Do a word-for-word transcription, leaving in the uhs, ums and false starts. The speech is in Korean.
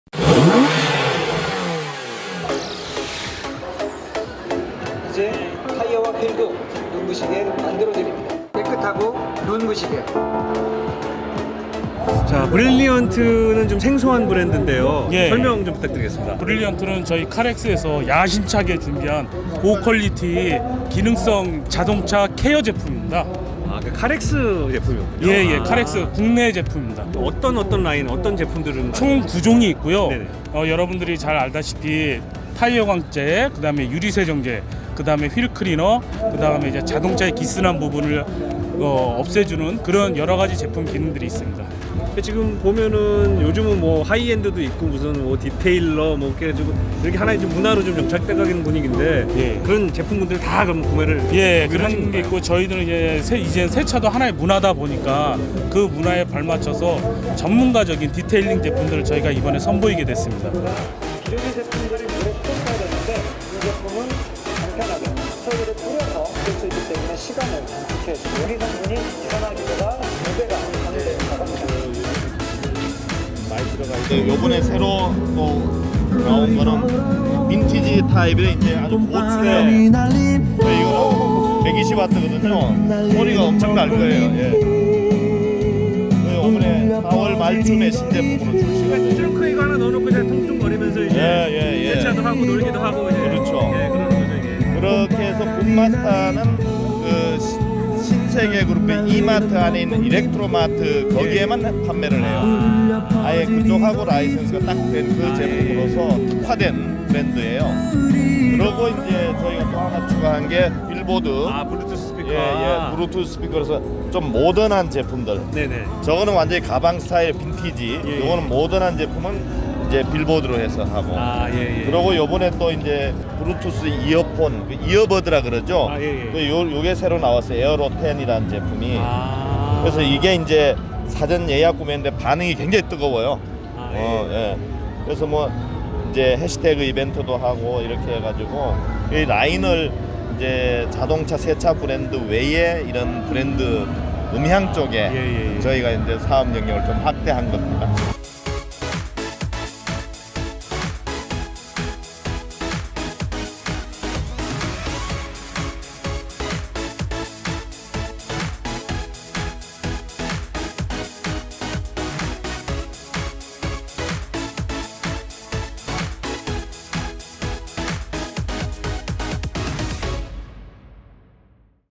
이제 타이어와 휠도 눈부시게 만들어드립니다. 깨끗하고 눈부시게. 자, 브릴리언트는 좀 생소한 브랜드인데요. 예. 설명 좀 부탁드리겠습니다. 브릴리언트는 저희 카렉스에서 야심차게 준비한 고퀄리티 기능성 자동차 케어 제품입니다. 아, 그 카렉스 제품이었군요. 예, 예, 아. 카렉스 국내 제품입니다. 어떤 어떤 라인, 어떤 제품들은 총 구 종이 있고요. 네네. 어, 여러분들이 잘 알다시피 타이어 광재, 그다음에 유리 세정제, 그다음에 휠 클리너, 그다음에 이제 자동차의 기스난 부분을 어, 없애주는 그런 여러 가지 제품 기능들이 있습니다. 지금 보면은 요즘은 뭐 하이엔드도 있고 무슨 뭐 디테일러 뭐 이렇게 해가지고 이렇게 하나의 좀 문화로 좀 정착돼가는 분위기인데 예. 그런 제품분들 다 그럼 구매를 예, 구매하신 그런 게 건가요? 있고 저희들은 이제 새, 이제 세차도 하나의 문화다 보니까 그 문화에 발맞춰서 전문가적인 디테일링 제품들을 저희가 이번에 선보이게 됐습니다. 기존의 제품들이 물에 풀어야 되는데 이 제품은 간편하게 소유를 뿌려서 쓸 수 있기 때문에 시간을 단축해주고 유리 성분이 일어나기보다 두 배가 강조된다고 합니다. 네, 요번에 새로 또 나온 거는 빈티지 타입의 이제 아주 고층의 네, 이거는 백이십 와트거든요. 소리가 엄청 날 거예요. 예. 네, 요번에 사월 말쯤에 신제품으로 출시가 트렁크 이거 하나 넣어놓고 이제 통통거리면서 이제 예, 예, 예. 세차도 하고 놀기도 하고 이제 그렇죠. 예, 그러는 거죠 이게. 그렇게 해서 붐마스타는 그 시- 신세계 그룹의 이마트 안에 있는 일렉트로마트 거기에만 판매를 해요. 아예 그쪽하고 라이센스가 딱 된 그 제품으로서 특화된 브랜드예요. 그리고 이제 저희가 또 하나 추가한 게 빌보드. 아, 블루투스 스피커. 예, 예, 블루투스 스피커로서 좀 모던한 제품들. 네네. 저거는 완전히 가방 스타일 빈티지. 예, 예. 요거는 모던한 제품은 이제 빌보드로 해서 하고. 아, 예, 예. 그리고 요번에 또 이제 블루투스 이어폰, 그 이어버드라 그러죠. 아, 예, 예. 그 요, 요게 새로 나왔어요. 에어로 텐이라는 제품이. 아. 그래서 이게 이제 사전 예약 구매인데 반응이 굉장히 뜨거워요. 아, 어, 예. 예. 그래서 뭐 이제 해시태그 이벤트도 하고 이렇게 해가지고 이 라인을 이제 자동차 세차 브랜드 외에 이런 브랜드 음향 쪽에 예, 예, 예. 저희가 이제 사업 영역을 좀 확대한 겁니다.